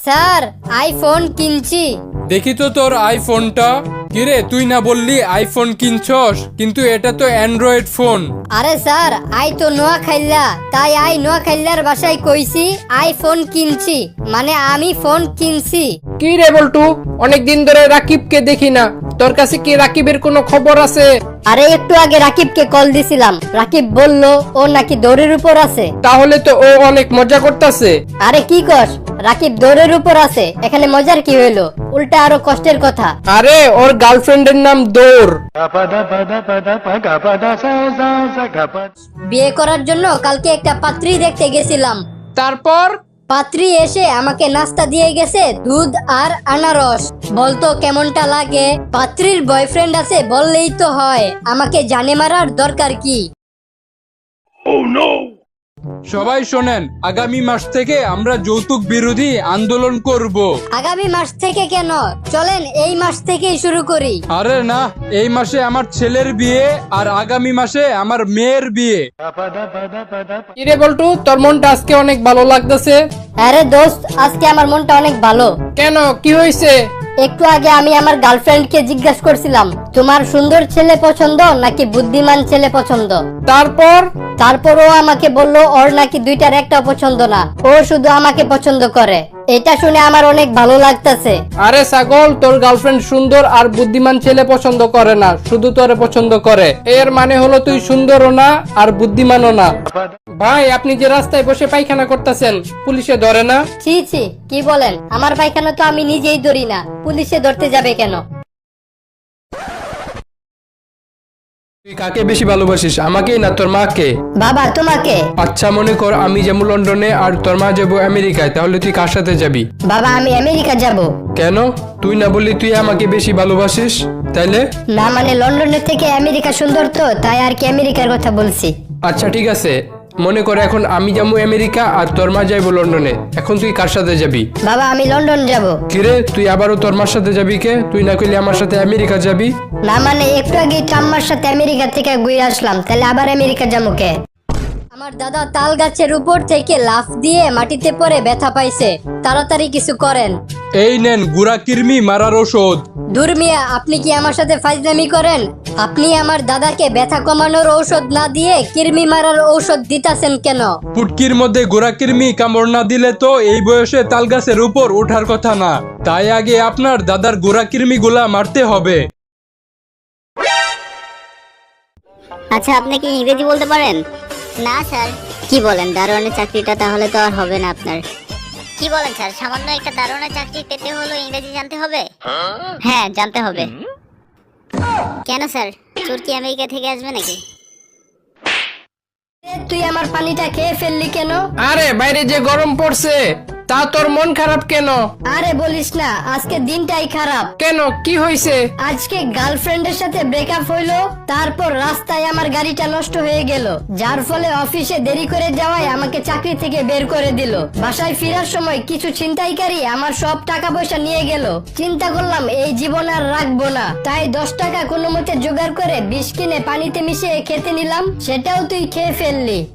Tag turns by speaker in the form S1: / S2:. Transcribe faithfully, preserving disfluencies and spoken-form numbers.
S1: Sir iPhone কিনছি।
S2: দেখি তো তোর আইফোনটা। কিরে তুই না বললি আইফোন কিনছস, কিন্তু এটা তো অ্যান্ড্রয়েড ফোন।
S1: আরে স্যার আই তো নোয়া খাইল্লা, তাই আই নোয়া খাইল্লার বাসায় কইছি আইফোন কিনছি, মানে আমি ফোন কিনছি।
S3: কি রে বল্টু, অনেকদিন ধরে রাকিবকে দেখি না, তোর কাছে কি রাকিবের কোনো খবর আছে?
S1: আরে একটু আগে রাকিবকে কল দিছিলাম, রাকিব বলল ও নাকি দৌড়ের উপর আছে।
S3: তাহলে তো ও অনেক মজা করতেছে।
S1: আরে কি কস, রাকিব দৌড়ের উপর আছে, এখানে মজার কি হইলো, উল্টা আরো কষ্টের কথা।
S3: আরে ওর গার্লফ্রেন্ডের নাম দৌড়।
S1: বিয়ে করার জন্য কালকে একটা পাত্রী দেখতে গেছিলাম।
S3: তারপর
S1: পাত্রী এসে আমাকে নাস্তা দিয়ে গেছে দুধ আর আনারস। বলতো কেমনটা লাগে। পাত্রীর বয়ফ্রেন্ড আছে বললেই তো হয়, আমাকে জানে মারার দরকার কি?
S2: সবাই শোনেন, আগামী মাস থেকে আমরা যৌতুক বিরোধী আন্দোলন করব।
S1: আগামী মাস থেকে কেন, চলেন এই মাস থেকেই শুরু করি।
S2: আরে না, এই মাসে আমার ছেলের বিয়ে আর আগামী মাসে আমার মেয়ের বিয়ে।
S3: কি রে বল্টু, তোর মনটা আজকে অনেক ভালো লাগতেছে।
S1: আরে দোস্ত, আজকে আমার মনটা অনেক ভালো।
S3: কেন, কি হয়েছে?
S1: একটু আগে আমি আমার গার্লফ্রেন্ডকে জিজ্ঞাসা করছিলাম, তোমার সুন্দর ছেলে পছন্দ নাকি বুদ্ধিমান ছেলে পছন্দ?
S3: তারপর
S1: তারপর ও আমাকে বলল ওর নাকি দুইটার একটা পছন্দ না, ও শুধু আমাকে পছন্দ করে। এটা শুনে আমার অনেক ভালো লাগতেছে।
S3: আরে ছাগল, তোর গার্লফ্রেন্ড সুন্দর আর বুদ্ধিমান ছেলে পছন্দ করে না, শুধু তোরে পছন্দ করে। এর মানে হলো তুই সুন্দরও না আর বুদ্ধিমানও না। ভাই, আপনি যে রাস্তায় বসে পায়খানা করতেছেন, পুলিশে ধরে না?
S1: ছি ছি, কি বলেন? আমার পায়খানা তো আমি নিজেই ধরি না, পুলিশে ধরতে যাবে কেন?
S2: তুই কাকে বেশি ভালোবাসিস, আমাকে না তোর মাকে?
S1: বাবা তোমাকে।
S2: আচ্ছা মনে কর আমি যাবো লন্ডনে আর তোর মা যাবো আমেরিকায়, তাহলে তুই কার সাথে যাবি?
S1: বাবা আমি আমেরিকা যাব।
S2: কেন? তুই না বললি তুই আমাকে বেশি ভালোবাসিস, তাইলে?
S1: না মানে লন্ডনের থেকে আমেরিকা সুন্দর তো, তাই আর কি আমেরিকার কথা বলছি।
S2: আচ্ছা ঠিক আছে, মনে কর এখন আমি যাবো আমেরিকা আর তোর মা যাইবো লন্ডনে, এখন তুই কার সাথে যাবি?
S1: বাবা আমি লন্ডন যাব।
S2: কিরে তুই আবারও তোর মার সাথে যাবি কে? তুই না কইলি আমার সাথে আমেরিকা যাবি?
S1: না মানে একটু আগে ঠাম্মার সাথে আমেরিকা থেকে ঘুরে আসলাম, তাহলে আবার আমেরিকা যাবো কে? আমার দাদা তাল গাছের উপর থেকে লাফ দিয়ে মাটিতে পড়ে ব্যথা পাইছে, তাড়াতাড়ি কিছু করেন।
S2: এই নেন গুড়া কৃমি মারার ওষুধ।
S1: দূর মিয়া, আপনি কি আমার সাথে ফাজলামি করেন? আপনি আমার দাদাকে ব্যথা কমানোর ঔষধ না দিয়ে কৃমি মারার ঔষধ দিতাছেন কেন?
S2: পুটকির মধ্যে গোড়া কৃমি কামড় না দিলে তো এই বয়সে তাল গাছের উপর ওঠার কথা না, তাই আগে আপনার দাদার গোড়া কৃমি গুলা মারতে হবে।
S4: আচ্ছা, আপনি কি ইংরেজি বলতে পারেন? না স্যার। কি বলেন, দারোয়ানের চাকরিটা তাহলে তো আর হবে না আপনার। কি বলেন স্যার, সামান্য একটা দারোয়ানের চাকরি পেতে হলো ইংরেজি জানতে হবে? হ্যাঁ জানতে হবে। কেন স্যার, চোর কি আমেরিকা থেকে আসবে নাকি?
S1: তুই আমার পানিটা খেয়ে ফেললি কেন?
S3: আরে বাইরে যে গরম পড়ছে, তা তোর মন খারাপ কেন?
S1: আরে বলিস না, আজকে দিনটাই খারাপ।
S3: কেন, কি হয়েছে?
S1: আজকে গার্লফ্রেন্ডের সাথে ব্রেকআপ হইলো, তারপর রাস্তায় আমার গাড়িটা নষ্ট হয়ে গেল, যার ফলে অফিসে দেরি করে যাওয়ায় আমাকে চাকরি থেকে বের করে দিল। বাসায় ফেরার সময় কিছু ছিনতাইকারী আমার সব টাকা পয়সা নিয়ে গেল। চিন্তা করলাম এই জীবন আর রাখবো না, তাই দশ টাকা কোনো মতে জোগাড় করে বিষ কিনে পানিতে মিশিয়ে খেতে নিলাম, সেটাও তুই খেয়ে ফেললি।